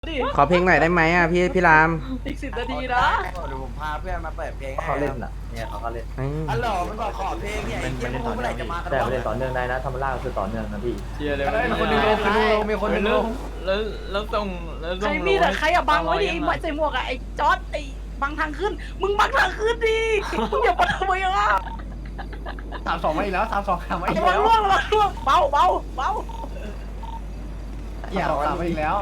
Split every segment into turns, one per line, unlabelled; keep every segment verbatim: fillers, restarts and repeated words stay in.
ดิ
ขอเพลงหน่อยได้ไหมอ่ะพี่พี่ราม
อีกสิบนาทีนะ
เดี๋ยวผมพาเพื่อนมาเปิดเพลงให้
เขาเล่นอ่ะเนี่ยเขาก็เล่น
อืม
ฮัลโหลมันบอกขอเพลงเนี่ยไอ้เกมพวกเมื่อไหร่จะมากัน
แต่
วะ
เล่นต่อเนื่องได้นะธรรมราคือต่อเนื่องนะพี่
เชียร์เลย
มีคนหนึ่งลงคนหนึ่งลงมีคนหนึ่งลง
แล้วแล้วต้องแล้ว
ใค
ต้
ร
อง
มีแต่ใครอะบังไว้ดิไอ้หมวดใส่หมวกอะไอ้จอร์ดไอ้บังทางขึ้น มึงบังทางขึ้นดิมึงอย่าบังทำไมอะ
สามสองมาอีกแล้วสามสองสามมาอีก
ระวัง
แล้ว
ร่วงระวังร่วงเบาเบาเบา
อย่าสามมาอีกแล้ว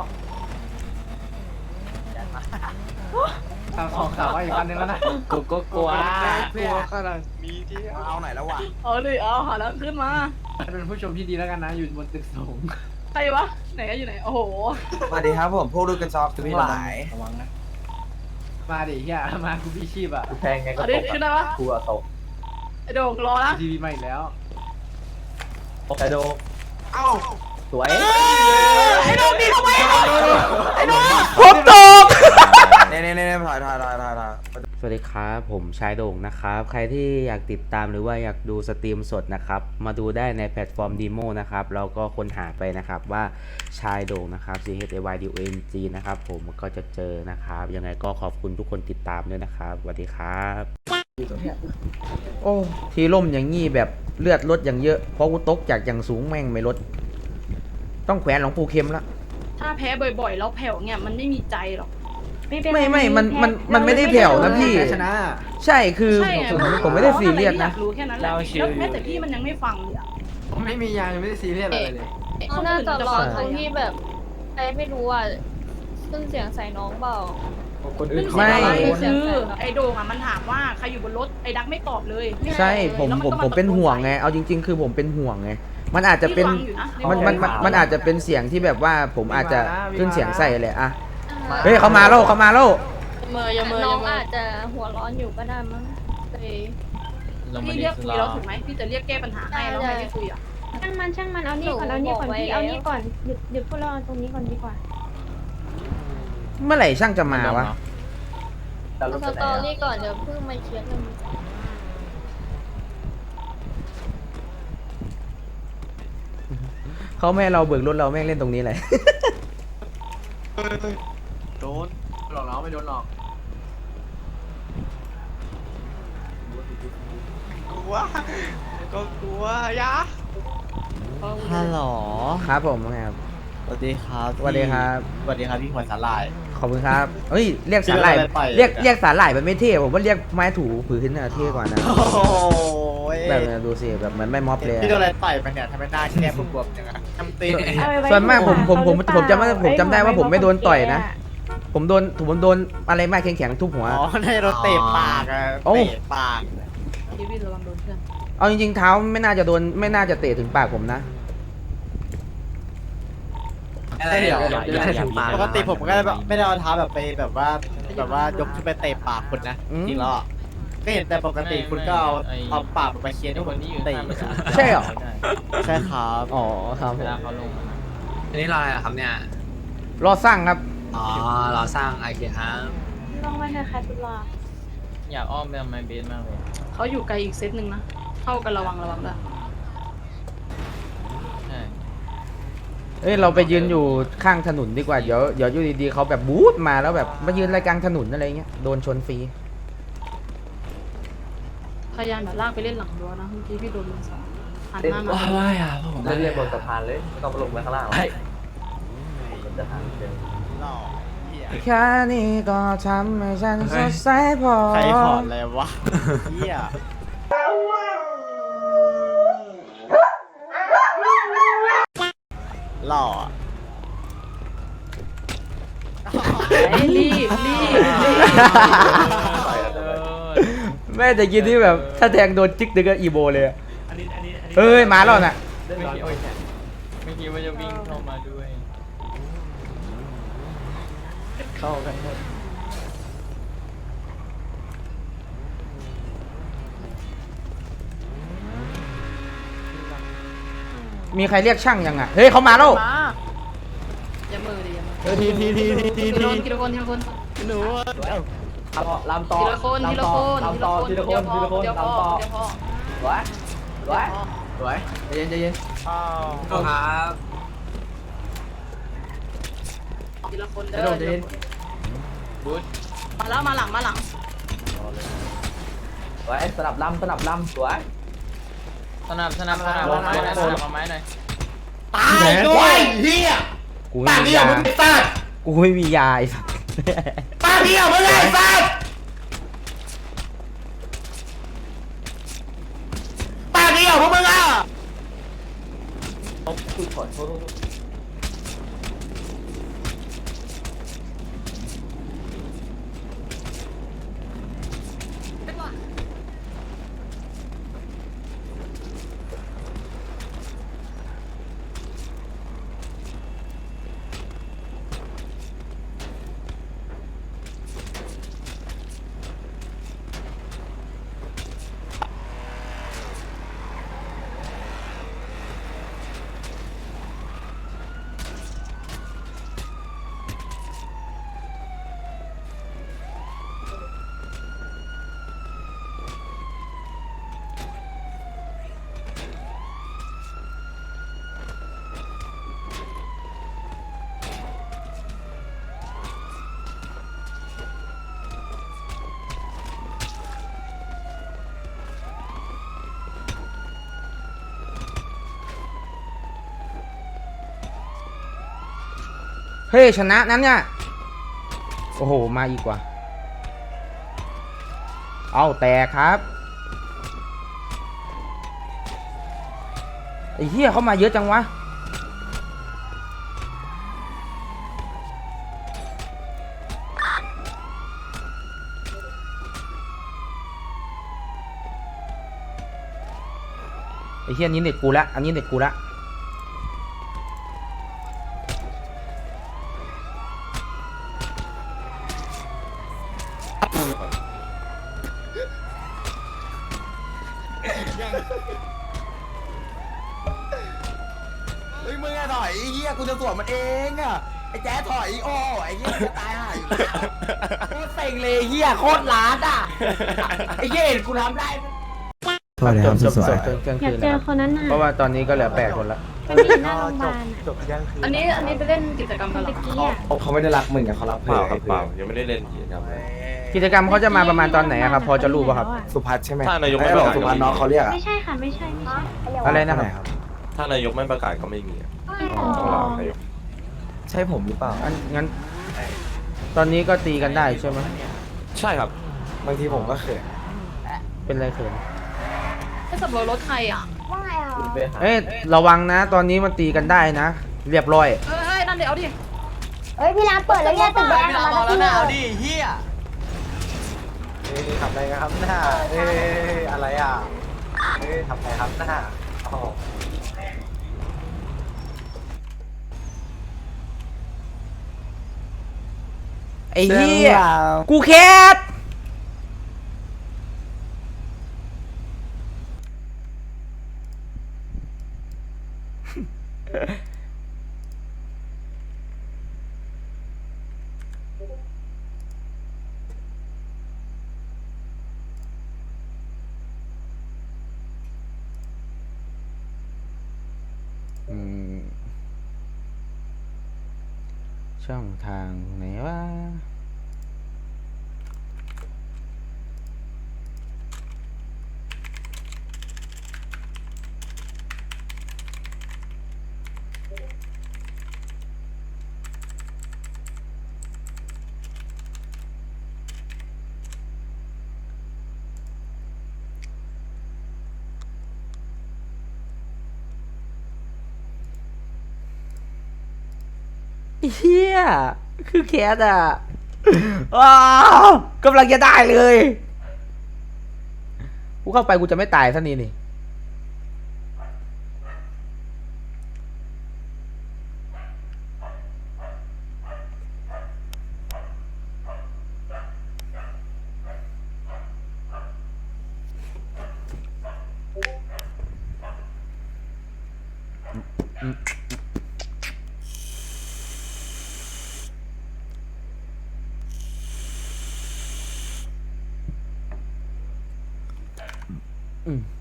สามสองสามมาอีกคันนึงแล้วนะ
กูก็กลัว
เพื่อนขนาดมีที่เอาไหนแล้ววะ
เอาดิเอาหาแล้วขึ้นมา
เป็นผู้ชมที่ดีแล้วกันนะอยู่บนตึกสูง
ใครวะไหนอยู่ไหนโอ้โห
สวัสดีครับผมพวกดูกันซอฟทั้งหลาย
ระวังนะมาดิเฮียมากูพี่ชีพอ่ะ
กูแทงไงก็
เอา
ต
ดิ
ก
ขึ้นได้ปะ
กูอะตก
ไอ้โด่งรอนะ
ทีวีมาอีกแล้ว
แต่โด
เอ้า
สวย
ไอ้โด่งดีทำไมอะไอ้โด่ง
ผมตก
เนี่ยเนี่ยเนี่ยถ่ายถ่ายถ่ายถ่ายถ่าย
สวัสดีครับผมชายโด่งนะครับใครที่อยากติดตามหรือว่าอยากดูสตรีมสดนะครับมาดูได้ในแพลตฟอร์มดีโมนะครับเราก็ค้นหาไปนะครับว่าชายโด่งนะครับ C H A Y D O N G นะครับผมก็จะเจอนะครับยังไงก็ขอบคุณทุกคนติดตามด้วยนะครับสวัสดีครับโอ้ทีล่มอย่างงี้แบบเลือดลดอย่างเยอะเพราะกูตกจากอย่างสูงแม่งไม่ลดต้องแขวนหลวงปู่เข็มละ
ถ้าแพ้บ่อยๆแล้วแผ่วเนี่ยมันไม่มีใจหรอก
ไม่ไม่มันมันมันไม่ได้แผ่วนะพี่
ชนะ
ใช่คือ
ใช่ไง
ผมผมไม่ได้ซีเรียสนะ
อยากรู้แค่นั้นแหละแล้วแม้แต่พี่มันยังไม่ฟังเลยอะ
ผมไม่มียางยังไม่ได้ซีเรียสอะไรเลย
คนอื่น
น่าจะรอ
จะฟัง
ตรงที่แบบใครไม่รู้อ่ะขึ้นเสียงใส่น้องเปล่า
คนอื่น
ไม่
คือไอ้โด่งอะมันถามว่าใครอยู่บนรถไอ้ดักไม่ตอบเลย
ใช่ผม
แล้วน
ผม
ก็า
ผมเป็นห่วงไง เอาจริง ๆ คือผมเป็นห่วงไง มันอาจจะเป็น
พี่ฟังอยู่ะ
มันมันมันมันอาจจะเป็นเสียงที่แบบว่าผมอาจจะขึ้นเสียงใส่แหละอะ
อ่า
เฮ้ยเขามาแล้วเขามาแล้ว
เมย์อย่าเมย์
น้
อ
อง
ย่าเม
อาจ
ย์
จะหัวร้อนอยู่ก็ได้มั้งเลย
ลงมา
พี่
ดิ
เรียก
ส
คุย
ลา
แล้วถูกไหมพี่จะเรียกแก้ปัญหาให้แล้วใครไม่คุยอ่ะ
ช่างมันช่างมันเอานี่ก่อนเอานี่ก่อนพี่เอานี่ก่อนหยุดหยุดพวกเราเอาตรงนี้ก่อนดีกว่า
เมื่อไหร่ช่างจะมาวะ
แต่รถ
ส
ไปไหน
ตอ
อะ
รี่ก่อนเดี๋ยวเพิ่งมาเคลียร์เรื่องนี้
เขาไม่ให้เราเบิกรถเราแม่งเล่นตรงนี้เลย
โดนหลอกน้องไม่โดนหลอก
กลัวก็กลัวยะ
ฮัลโหล
ครับผมว่าไงครับ
สวัสดีครับ
สวัสดีครับ
สวัสดีครับพี่หัวสาลาย
ขอบคุณครับเฮ้ยเรียกสาหร่าย
ชื่ออะไรไป
เรียกเรียกสาหร่ายมันไม่เท่ผมว่าเรียกไม้ถูผืนน่ะเท่กว่านะ
โอ้ย
แบบดูสิแบบเหมือนไม่ม็อบเลยอะ
พี่โดนอะไรต่อยมาเนี่ยทำไมหน้าแคบบวมๆอย่างนั้นทำตีน
เอาไว้
ส่วนมากผมผมผม
เขาหรือเปล่า
ผมจำได้ผมจำได้ว่าผมไม่โดนต่อยนะ
ไ
ผมโดนผมโดนอะไรมากแข็งๆทุบหัว
อ๋อได้โดนเตะปากอะ
โอ้
เตะปาก
พี่วินระวังโดนเพื่อน
เอาจริงๆเท้าไม่น่าจะโดนไม่น่าจะเตะถึงปากผมนะ
อะไรเดี๋ยวปกติผมก็แบบไม่ได้เอาเท้าแบบไปแบบว่าแบบว่ายกขึ้นไปเตะปากคุณนะ
อืม
จริงแล้วอะก็เห็นแต่ปกติคุณก็เอาเอาปากมาเคียนให้คนที่อยู่เตะ
ใช่เหรอ
ใช่ครับ
อ๋อครับผม
อันนี้รออะไรครับเนี่ย
รอสร้างครับ
อ๋อรอสร้างไอเคครับ
ลองมาเถอะค่ะทุลา
อยากอ้อมไปทำไมเบสมากเลย
เขาอยู่ไกลอีกเซตหนึ่งนะเข้ากันระวังระวังด้วย
ใช่
เอ้ยเราไปยืนอยู่ข้างถนนดีกว่าเดี๋ยวเดี๋ยวอยู่ดีๆเขาแบบบู๊ดมาแล้วแบบมายืนรายกลางถนนอะไรเงี้ยโดนชนฟรี
พยายามแบบลากไปเล่นหลังรั้วนะเมื่อกี้พี่โดนลุงสองหันหน้ามา
ว้ายอ่ะผม
เล่นเรียบบนสะพานเลยไม่ต้องลงไปข้างล่างหรอกมันจะทางเดิน
หล่อเหี้ย
แค่นี้ก็ทำให้ฉันสดใสพอ
ใครขอดเลยวะเฮีย หล่ออะ
รีบรีบรีบ
แม่จะกินที่แบบถ้าแทงโดนจิกดึงก็อีโบเลยอะเอ้ยมาแล้วน่ะ
ไม่คิดไม่คิดว่าจะวิ่งเข้ามาด้วย เข้ากันหมด
มีใครเรียกช่างยังอ่ะเฮ้ยเขามาแล้ว
มาอย่ามือดิอย่ามือ
เออทีทีทีทีที
ที
ที
ละคนทีละคนทีละคน
หนู
ลำต่อ
ทีละคนทีละคน
ลำต่อทีละคนทีละคน
เดี๋ยวพ
ลำ
อ
ต่อ
เดี๋ยวพอ
สวยสวย
สวยใจเย็นใจเย็น
อ้าว
ครับ
ทีละคนเด้
กระโด
อ
ดเดิน
มาแล้วมาหลังมาหลัง
สวยสนับลำสนับลำสวย
สนับสนับสนับไม้หน่อยสนับไม้หน่อย
ตายด้วยเฮีย
กูไม่มียากูไม่มียาไอ้สัส
ป้าเดียวมึงไอ้สัสป้าเดียวพวกมึงอ่ะ
คุยขอโทษ
เฮ้ยชนะนั้นเนี่ยโอ้โหมาอีกว่ะเอาแต่ครับไอ้เหี้ยเขามาเยอะจังวะไอ้เหี้ยอันนี้เด็กกูละอันนี้เด็กกูละ
เฮ้ยมึงไงถอยไอ้เหี้ยกูจะสวนมันเองอ่ะไอ้แจ๊ถอยโอ้ไอ้เหี้ยจะตายห่าอยู่แล้วโคตรเซ็งเลยเหี้ยโคตรล้านอ่ะไอ้เหี้ยเห็นกูทำได้
สวัสดีครับสวยๆ
อยากเจอคนนั้นน่ะ
เพราะว่าตอนนี้ก็เหลือแปดคนละ
มันมีหน้าโรงพยาบาล
จบเที่ยงคืน
อันนี้อันนี้ไปเล่นกิจกรรมกันเหร
ตะ
อ
กี้อ่ะ
เขาไม่ได้รักมึงอะเขารักเพื่อนครับเปล่า
ยังไม่ได้เล่นกิจกรรมเลย
กิจกรรมเขาจะมาประมาณตอนไหนอะครับ พอจะรู้ป่ะครับ
สุพัฒน์ใช่ไหม
ถ้านายกไม่
ไอ้
ประ
หล
กาศ
สุพัฒน์น้องเขาเรียกอะ
ไม่ใช่ค่ะไม่ใช่ไม่ใช่
อะไรนะครับ
ครับ
ถ้านายกไม่ประกาศก็ไม่มีอะ
อ๋อ
ต้องรอนายก
ใช่ผมหรือเปล่า
งั้นงั้น ตอนนี้ก็ตีกันได้ใช่ไหม
ใช่ครับ
บางทีผมก็เขิน
เป็นไรเขิน
ให้สับรถรถใครอ่ะ
ว่าไงอ่ะ
ไปหา
เอ้ยระวังนะ ตอนนี้มันตีกันได้นะ เรียบร้อย
เฮ้ยนั่นเดี๋ยวเอาดิ
เอ้ยพี่ร้านเปิดแล้วเนี่ยตึกแดงมาแล้วพี่
เฮีย
เอ้ยทำอะไรกันครับหน้าเอ้ยอะไรอ่ะเอ้ยทำอะไรครับหน้าอ๋อ
ไอ้เหี้ยกูแคทอืมช่องทางไหนวะ เฮียคือแคสอ่ะว้าวกำลังจะได้เลย กูเข้าไปกูจะไม่ตายซะนี่นี่อืม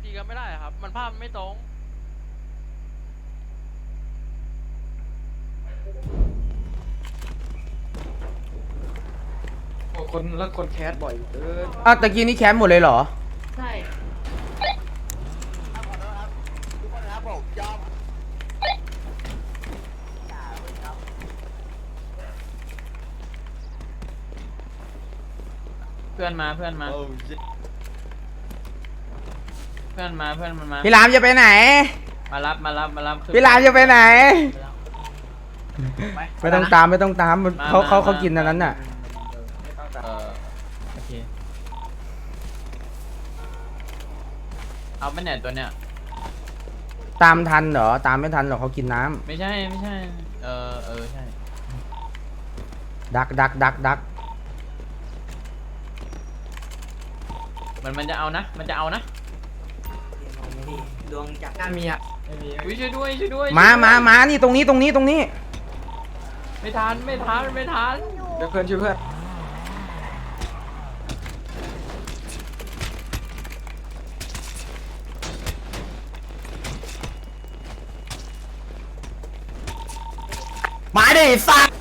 ตีกันไม่ได้ครับ มันภาพไม่ตรง
คนแล้วคนแคสบ่อยเกิน
อ้าวตะกี้นี่แคมป์หมดเลยเหรอ
ใช่
ทุกคนนะครับผมยอม
เพื่อนมาเพื่อนมา เพื่อนมาเพื่อนมันมา
พี่รามจะไปไหน
มารับมารับมารับขึ้น
พี่รามจะไปไหน
ไป
ไม่ต้องตามไม่ต้องตามมัน
มา
เขา
มา
เขา
มา
เขากินอันนั้นน่ะ
เออโอเคเอาไปไหนตัวเนี้ย
ตามทันเหรอ ตามไม่ทันหรอกเขากินน้ำ
ไม่ใช่ไม่ใช่ เออเออใช่
ดักดักดักดัก
มันมันจะเอานะ มันจะเอานะ
ดวงจาก
น่ามีอ่ะ
อุ้ยช่วยด้วยช่วยด้วย
มา
ช่วยด้วย
มามานี่ตรงนี้ตรงนี้ตรงนี้
ไม่ทันไม่ทันไม่ทัน
เดี๋ยวเพื่อนช่วยเพื่อน
มาดิสัตว์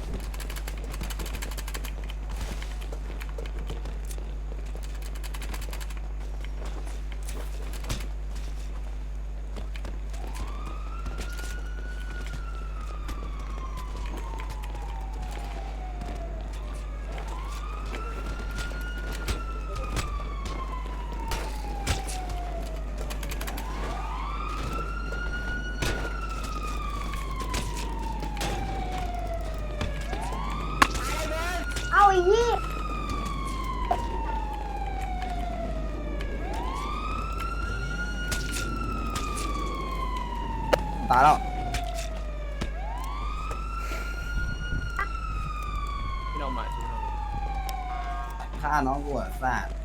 เอาไอ้ยี่
ตายแล้ว
พี่น้องมา
ฆ่าน้องกูอ่ะสัตว์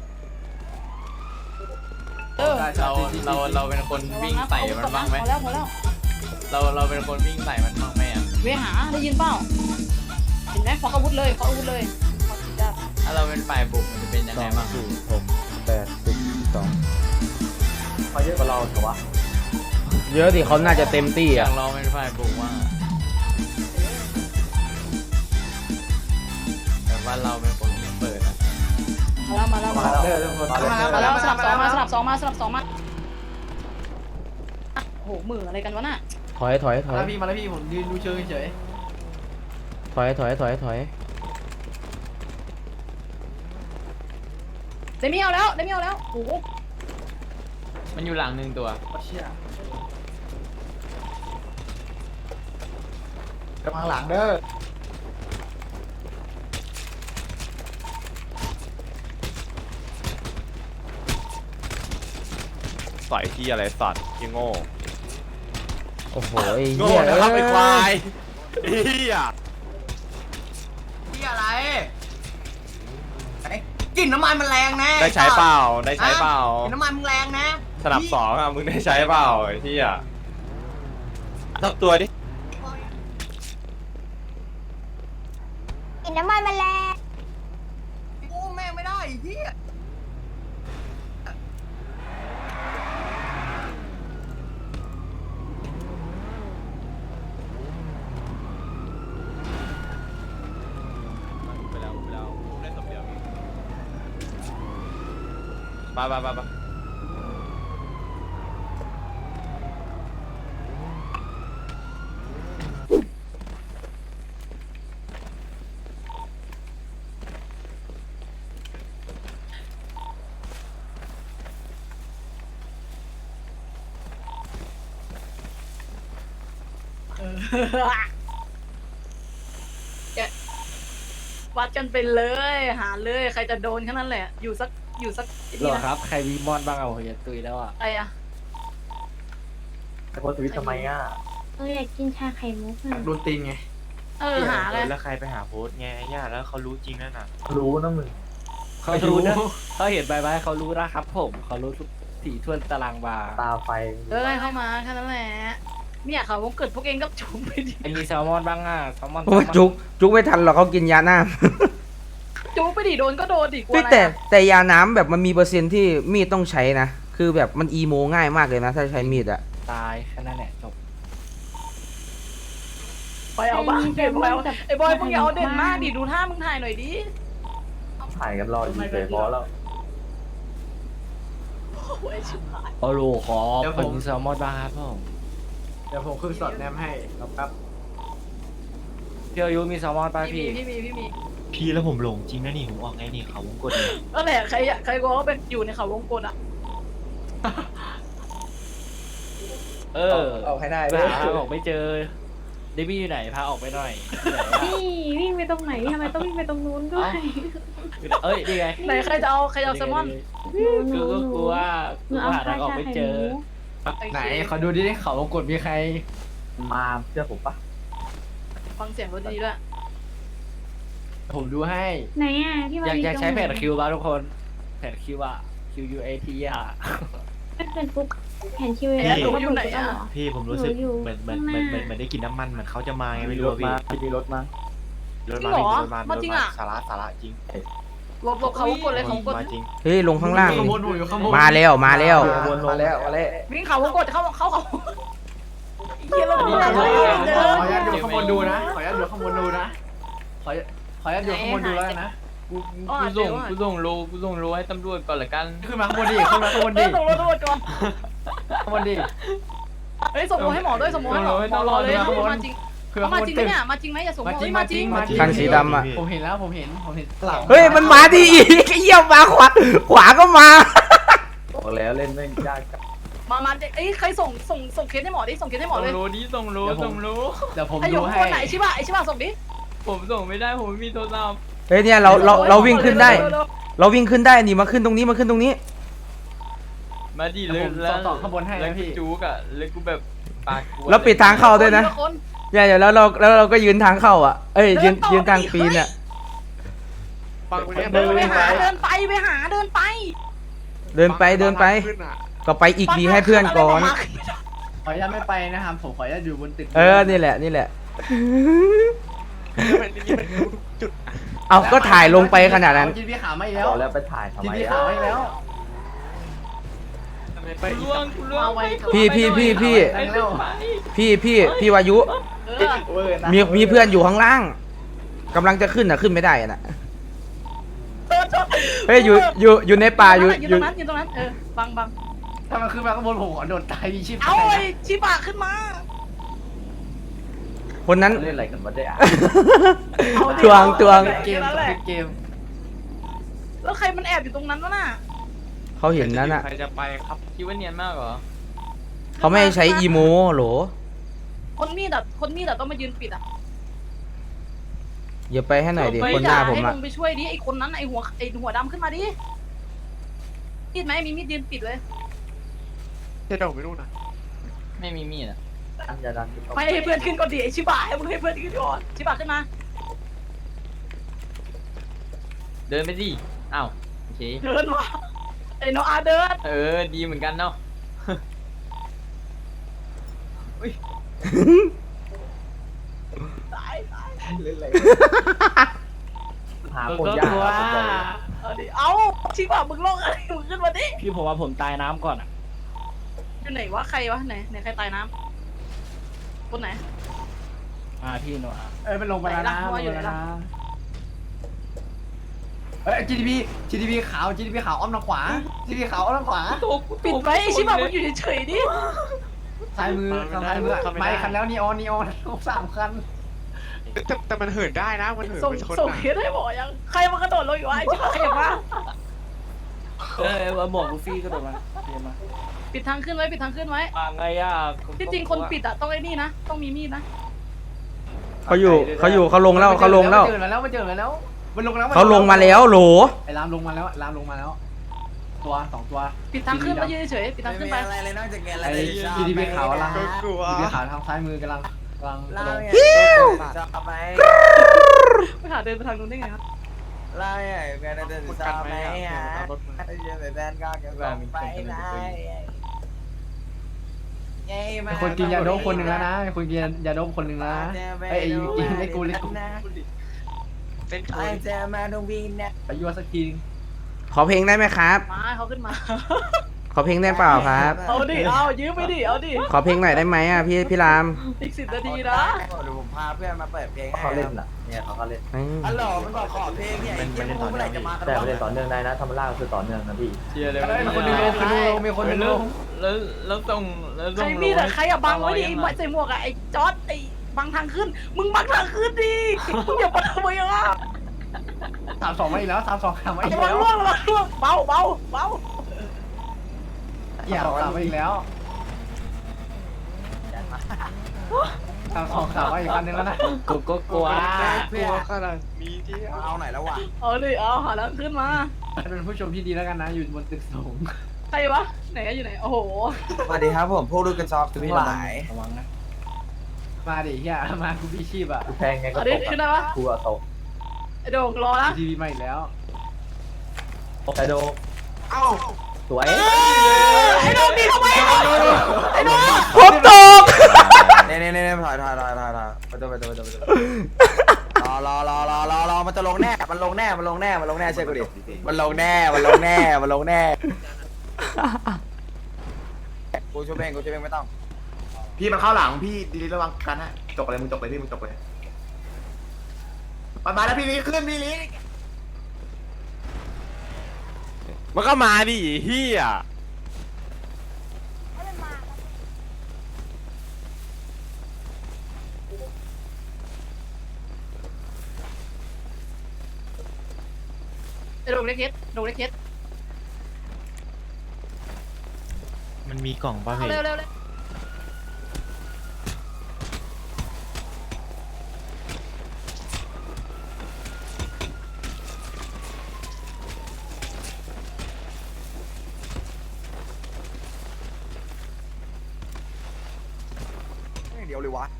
เออ
เราเราเราเป็นคนวิ่งใส่มันบ้างไหม
พอแล้วพอแล้ว
เราเราเป็นคนวิ่งใส่มันบ้างไหมอ่ะ
เวหาได้ยินเปล่าเห็นไหมขออาวุธเลยขออาวุธเลยขอสิจ้า
ถ้าเราเป็นฝ่ายบุกมันจะเป็นยังไงบ้าง
หกแปดสิบสอง
เขาเยอะกว่าเราเหรอวะ
เยอะดิเขาน่าจะเต็มที่
อ
อ่ะ
ยากลองเป็นฝ่ายบุกว่างอะแต่ว่าเราเป็นคนที่เปิดอะ
มาแล้วมาแล้วมาแล้ว
เด้อทุกคน
มาแล้วสลับสองมาสลับสองมาสลับสองมาโอ้โหมืออะไรกันวะน่ะ
ถอยถอยถอ
มาย แล้วพี่มาแล้วพี่ผมยืนดูเชิงเฉย
ถอยถอยถอยถอย
เดมิเอาแล้วเดมิเอาแล้วโอ้โห
มันอยู่หลังหนึ่งตัว
เชี่ยกำลังหลังเด้อ
ใส่ที่อะไรสัตว์ยี่โง่
โอ้โหไอ้
โง่
เหี้ย
นะครับ
เอ้
ไอ้
ย
ควายเฮีย
ที่อะไรกลิ่นน้ำมันมันแรงนะ
ได้ใช้เปล่าได้ใช้เปล่าก
ลิ่นน้ำมันมันแรงนะ
สนับสองอ่ะมึงได้ใช้เปล่าไอ้เฮียทับตัวดิ
กินน้ำมันมาแล้ว
กูแม่งไม่ได้ไอ้เหี้ย
ไปแล้วไปแล้วได้สมเดียวไปไปไปไป
วัดกันไปเลยหาเลยใครจะโดนแค่นั้นแหละ อยู่สักอยู่สัก
หรอครับ ใครมีมอนบ้างเอาอย่าตุยแล้วอ่ะ
ใครอะ
แต่โพสต์ทวิตทำไมอ่ะ
เอออยากกินชาไข่มุกอ่ะ
โดนตีนไง
เออหาเลย
แล้วใครไปหาโพสต์ไงไอ้ย่าแล้วเขารู้จริงนั่นน่ะ
รู้นะมึง
เขารู้เขาเห็นใบไม้เขารู้นะครับผมเขารู้ทุกสี่ทวนตารางวา
ตาไฟ
เออเข้ามาแค่นั้นแหละเนี่ยเขาวงเกิดพวกเองก็จุ่มไปดิ
ไอ้มีแซลมอนบ้างอ่ะแซลมอน
โอ้ยจุกจุกไม่ทันหรอกเขากินยาน้
จุ่มไปดิโดนก็โดนดิก
ำ
ลัว
เฮ้ย
อะไร
แต่
อะ
แต่ยาน้ำแบบมันมีเปอร์เซ็นต์ที่มีดต้องใช้นะ คคือแบบมันอีโมง่ายมากเลยนะถ้าใช้มีดอะ
ตายแค่นั้นแหละจบ
ไปเอาบ้างเด่นไปเอาไอ้บอยมึงอย่าเอาเด่นมากดิดูท่ามึงถ่ายหน่อยดิ
ถ่ายกันรออยู่เฉยพอแล้ว
โอ้ยชิบหาย
โอ้โหขอเป็นแซลมอนบ้างครับผม
เดี๋ยวผมขึ้นสดแนมให้แล้วแป๊บ
พี่อายุมีแซลมอนป่ะ
พี่
พี่
มีพี่มีพี่มี
พี่แล้วผมหลงจริงนะนี่ผมออกไงนี่เขาวงกดเนี่ย
ก็แหละใครอะใครก็ว่าเป็นอยู่ในเขาวงกลอะ
เออ
เอาให้ได้
ไปหาทางออกไม่เจอเดบี้อยู่ไหนพาออกไปหน่อย
นี่วิ่งไปตรงไหนทำไมต้องวิ่งไปตรงนู้นด้วย
เอ้ยนี่ไง
ไหนใครจะเอาใครจะเอาแซลมอน
หนู
กูก็
หนู
กลัว
หนู
กู
เอา
หา
ชา
ทางออก
ชา
ไม่
ไข่
เจ
ห
อ
มู
ไหนขอดูดิเขาวงกดมีใคร
มาเชื่อผมปะ
ฟังเสียงรถดีด้วย
ผมดูให้
ไหนอ่ะที่มัน
อยากอยากใช้แผ่น
ตรงไห
คิวบ้างทุกคนแผ่นคิวอะ Q U A T อะ
ไม่เป็นปุ๊บแผ่นคิว
ไอ้
เอ
หนูอยู่ไหนอะ
พี่ผมรู้สึก
หนูอยู่
เหมือนเหมือน
ข้าง
เห
ห
มือ
น้า
นเหมือนเหมือนได้กินน้ำมันเหมือนเขาจะมาไงไม่
มี
รู้
รถ
อะ
มา
พี่
มีรถมา
รถ
จริ
มาง
เหรอ
รถมา
มาจริงอะ
สาระสาระจริง
หลบหลบเขาวงกลเลยเขาวงกล
มาจริง
เฮ้ยลงข้างล่าง
ขบวนหนูอยู่ข้างบน
มาแล้วมาแล้ว
มาแล้วมาแล้ว
วิ่งเขาวงกลเข้าเข้าเขาเฮียเราดูแล
ขอ
เลยเดิน
อนุญาตดูข้างบนดูนะ ขออนุญาตดูข้างบนดูนะ ขอขออนุญาตดูข้างบนดูแล้วนะ
กูกูส่งกูส่งโลกูส่งโลให้ตำรวจก่อนละกัน
ขึ้นมาข้างบนดิขึ้นมาข้างบน
เดิ
ดิ
นส่งรถตำรวจก่อน
ข้างบนดิ
เฮ้ยส่งโลให้หมอด้วยส่งโลให้หมอหมอรอเลยมาจริง
คือ
เขา
ข้าง
มา
บน
จริงไหม
ตึก
เนี่ยมาจริงไหมอย่าส่ง
มา
โล
จริง
มา
มา
จ
จ
ริ
ริ
ง
งมาจริง
คันสีดำอะ
ผมเห็นแล้วผมเห็นผมเห็นหลัง
เฮ้ยมันมาดีอีกเยี่ยมมาขวาขวาก็มา
บอกแล้วเล่นไม่ยากกับ
มามาเอ้ยใครส่งส่งส่งเคสให้หมอดิส่งเคสให้หมอ
ส่ง
เลย
โลดิส่งโลส่งโล
เดี๋ยวผม
ไอหย
ดู
ก
ให้
คนไหนชิบะไอชิบะส่งดิ
ผมส่งไม่ได้ผมไม่มีโทรศัพท์
เฮ้ยเนี่ยเราเราเราวิ่งขึ้นได้ เราวิ่งขึ้นได้นี่มาขึ้นตรงนี้มาขึ้นตรงนี้
มาดิ
เดี๋
เลย
วย ผม
แล้ว
ต่อข้างบนให้
แล้ว
นะ
กู
พี่
จูกอะแล้วกูแบบปากกวน
แล้วปิดทางเข้าด้วยนะ
คน
เนี่ยเดี๋ยวแล้วเราแล้วเราก็ยืนทางเข้าอ่ะเอ้ยยืนยืนทางปีนอ่ะ
เดินไปหาเดินไปไปหาเดินไป
เดินไปเดินไป ก็ไปอีกดีให้เพื่อนก่อน
ขออนุญาตไม่ไปนะครับผมขออนุญาตอยู่บนตึก
เออนี่แหละนี่แหละ เอาก็ถ่ายลงไปขนาดนั้น
จินพี่ขาไม่แล้ว
บอกแล้วไปถ่ายทำ
จิน
ไม
พี่
อ่ะ
ขาไม่แล้ว
กูล่วงกูล่วงไป
พี่พี่พี่พี่
ไอ้เรื่องไป
พี่พี่พี่วายุ
เออ
มีมีเพื่อนอยู่ข้างล่างกำลังจะขึ้นอ่ะขึ้นไม่ได้อ่ะนะ
เออ
เฮ้ยอยู่อยู่อยู่ในป่าอยู่
อยู่
อ
ตร
ยู่
งนั้นอยู่ตรงนั้นเออบังบัง
ถ้ามันขึ้นมาข้างบนผมขอโดดตายมีชีพ
เอาไอ้ชิบะขึ้นมา
คนนั้น
เล่นอะไรกันวะเนี่ย
ตวงตวง
เกมเกม
แล้วใครมันแอบอยู่ตรงนั้นวะน่ะ
เขาเห็นนั้นอ่ะ
ใครจะไปครับคิดว่าเนียนมากเหรอ
เขาไม่ให้ใช้อีโมโหล
คนมีดอ่ะคนมีดอ่ะต้องมายืนปิดอ่ะ
อย่าไปให้หน่อยดิ
ไม่
คนหน้าผม
ให้
อ่ะ
ลงไปช่วยดิไอ้คนนั้นไอ้หัวไอ้หัวดำขึ้นมาดิมีดไหมมีมีดยืนปิดเลย
ไม่มีมีดอะ
อันจะดัน
ไม่ให้เพื่อนขึ้นก่อนดิไอ้ชิบะให้มึงให้เพื่อนขึ้นก่อนชิบะขึ้นมา
เดินไปดิอ้าวโอเค
เดินมาไอ้โนอาเดิน
เออดีเหมือนกันเนาะ
ตายตาย
หาคนยาก
เอาดิเอาชิบะมึงลงอะไรมึงขึ้นมาดิ
พี่ผมว่าผมตายน้ำก่อนอ่ะ
อยู่ไหนวะใครวะไหนไหนใครตายน้ำคนไหน
อ่าพี่หนูอ่ะ
เอ้ยมันลงไปแล้วนะ
ไหนล่ะ
ลงไปแล้วนะเอ้ย จี ดี พี จี ดี พี ขาว จี ดี พี ขาวอ้อมทางขวา จี ดี พี ขาวอ้อมทางขวา
โตกู
ปิดไว้ไอ้ชิบะมึงอยู่เฉยๆดิ
ซ้ายมือทางซ้ายมือไม่คันแล้วนีออนนีออนสามคัน
แต่แต่มันเหินได้นะมันเหิน
ส่ง
ไปชน
ส่ง
นะ
เคสให้หมอยังใครมากระโดดลงอยู่วะไอ้ชิบะใครอยากมา
เออมาบอกลูฟี่ก็โดนมาเดี๋ยวมา
ปิดทางขึ้นไว้ปิดทางขึ้นไว้
มาไงอ่ะ
ที่จริงคนปิดอะต้องไอ้นี่นะต้องมีมีดนะ
เขาอยู่เขาอยู่เขาลงแล้วเขาลงแล้ว
มันเจอมาแล้วมันเจอมาแล้วมันลงแล้ว
เขาลงมาแล้วโหล
ไอ้รามลงมาแล้วรามลงมาแล้ว ตัวสองตัว
ปิดทางขึ้นแล้วยืนเฉยๆปิดทางขึ้นไป
อะไรเลยนอกจากแกอะไร
ไอ้ จี ดี พี ขาวกำลัง
ก็กลัว
จี ดี พี ขาวทางซ้ายมือกำลังกำลังกระ
เล่า
โดด
ไงจะเอาไป
ไปหาเดินไปทางนู้นได้ไงครับ
เล่าไงแกจะเดินจะเอาไปฮะเยอะไปแบนก็จะส่งไปไหนไงมา
มีคนกินยาโดบคนหนึ่งแล้วนะมีคนกินยาโดบคนหนึ่งแล้วนะไอ้ไอ้กินไอ้กูเล็กกู
เป็นค
ไอ้
น
จะมาตรงวินนะ
ไปยัวสักที
ขอเพลงได้ไหมครับ
มาให้เขาขึ้นมา
ขอเพลงได้เปล่าครับ
เอาดิเอายืมไปดิเอาดิ
ขอเพลงหน่อยได้ไหมอ่ะพี่พี่ราม
อีกสิบนาทีนะ
เดี๋ยวผมพาเพื่อนมาเปิดเพลงให้
เขาเล่นอ่ะเนี่ยเขาก็เล่น
อืม
ฮัลโหลมันบอกขอเพลงเนี่ยไอ้เหี้ยมึงเมื่อไหร่จะมากัน
แต่
วะ
ไม่ได้ต่อเนื่องได้นะธรรมราชคือต่อเนื่องนะพี่
เชียร์เลย
มีคนหนึงลงมีคนหนึงลงมีคนหนึงลง
แล้วแล้วต้องแล้ว
ใค
ต้
ร
อง
มีแต่ใครอะบังไว้ดิไอ้หมวกใส่หมวกอะไอ้จอร์ดไอ้บังทางขึ้น มึงบังทางขึ้นดิมึงอย่ามาทำไมอะ
สามสองมาอีกแล้วสามสองสามมาอีก
ระวัง
แล้ว
ล่วงระวังล่วงเบาเบาเบา
อย่าสามมาอีกแล้วสามสองสามมาอีกคันนึงแล้วนะกูก็กลัว
เพื่อนเอาไหนแล้ววะ
เอาดิเอาหาแล้วขึ้นมา
เป็นผู้ชมที่ดีแล้วกันนะอยู่บนตึกสูง
ใครวะไหนอะอยู่ไหนโอ้โห
สวัสดีครับผมพวกดูกันซอกทั้งหลาย
ระวังนะมาดิเฮียมากูพี่ชีพอ่ะ
กูแพงไงก็
เอา
ต
ดิ
ก
ขึ้นได้ปะ
กูอะตก
ไอ้โด่งรอนะ
ทีวีมาอีกแล้ว
ไอโด
เอ้า
สวย
ไอ้โด่งดีทำไมอะไอ้โด่ง
ผมตก
เน่เน่เน่ถอยถอยถอยถอยถอยไปตัวไปตัวไปตัวไปตัวรอรอรอรอรอรอมันจะลงแน่มันลงแน่มันลงแน่มันลงแน่เชื่อกูดิมันลงแน่มันลงแน่มันลงแน่กูช่วยเองกูช่วยเองไม่ต้อง
พี่มันเข้าหลังพี่ดีๆระวังกันนะจกเลยมึงจกเลยพี่มึงจกเลยมามาแล้วพี่ลีขึ้นพี่ลี
มันก็มาดิเฮีย
ไอ้โด่งเล็กเคสโด่งเล็กเคส
มันมีกล่องป่ะ
เอา
พี่
เร็วเร็วเร็ว
เดี๋ยวเลยวะ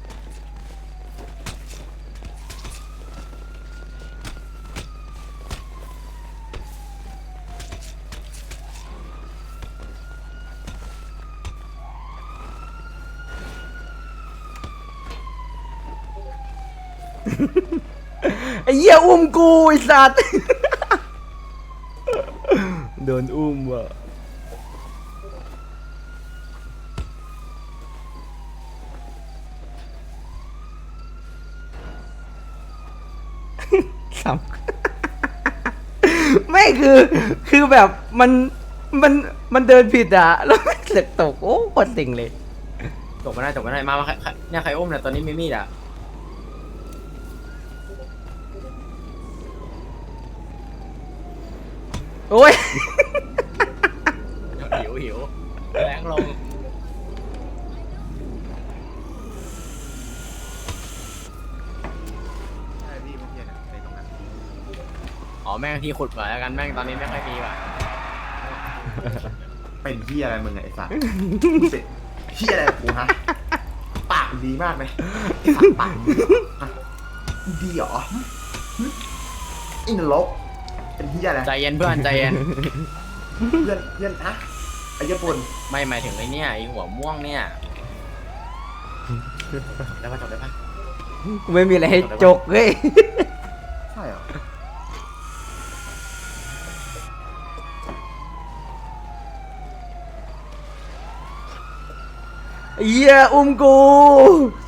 ไอ้เหี้ยอุ้มกูไอ้สัตว์ โดนอุ้มว่ะ สาม ไม่คือคือแบบมันมันมันเดินผิดอ่ะ แล้วมันเสือกตกโอ้ปวดติ่งเลย
จบมาได้จบมาได้มามาใครใครเนี่ยใครอุ้มเนี่ยตอนนี้มีมีดอ่ะ
โอ้ย
หิวหิวแรงลง
ใช่พี่เมื่อกี้นะในตรงนั้น
อ๋อแม่งที่ขุดมาแล้วกันแม่งตอนนี้ไม่ค่อยมีว่ะ
เป็นเฮียอะไรมึงไอ้สัตว์เป็นเฮียอะไรกูฮะปากดีมากเลยไอ้สัตว์ปากดีเหรอไอ้นรกเป็นเฮียอะไร
ใจเย็นเพื่อนใจเย็น
เพื่อนเพื่อนฮะไอ้ญี่ปุ่น
ไม่หมายถึงไอ้เนี่ยไอ้หัวม่วงเนี่ย
ได้ปะจบได้ปะ
กูไม่มีอะไรให้จกเว้ย
ใช่เหรอ
เหี้ยอุ้มกู